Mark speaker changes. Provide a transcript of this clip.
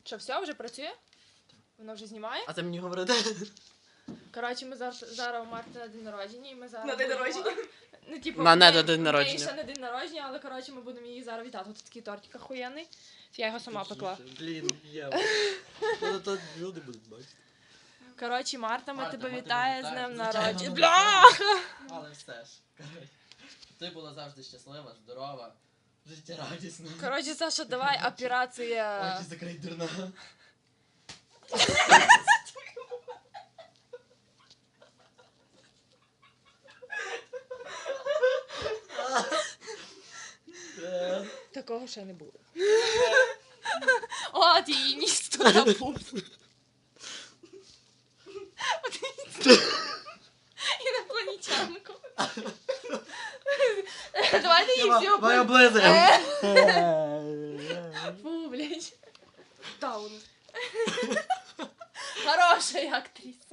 Speaker 1: Що, все, вже працює? Воно вже знімає?
Speaker 2: А ти мені говорите?
Speaker 1: Коротше, ми зараз у Марти на день народження, і ми зараз...
Speaker 3: На день
Speaker 1: будемо-
Speaker 3: народження?
Speaker 1: Ну, типу,
Speaker 2: На
Speaker 1: в неї-
Speaker 2: не день
Speaker 1: в неї
Speaker 2: народження.
Speaker 1: ще на день народження, але, коротше, ми будемо її зараз вітати. Тут такий тортик охуєнний. Я його сама пекла.
Speaker 2: Блін, Єва. Ну, то люди будуть бачити.
Speaker 1: Коротше, Марта, ми
Speaker 2: Марта,
Speaker 1: тебе
Speaker 2: ми
Speaker 1: вітає з
Speaker 2: тебе
Speaker 1: днем
Speaker 2: вітаємо.
Speaker 1: народження.
Speaker 2: Звичайно,
Speaker 1: Бляха!
Speaker 2: Але все ж. Ти була завжди щаслива, здорова, життєрадісна.
Speaker 1: Коротше, Саша, давай операція...
Speaker 2: Очі закрий, дурна.
Speaker 1: Такого ще не було. От її ніс туди був. Інопланетянку. Давайте її всі
Speaker 2: Моя
Speaker 1: облизуємо.
Speaker 2: облизуємо.
Speaker 1: Фу, блядь. Таун. Хорошая актриса.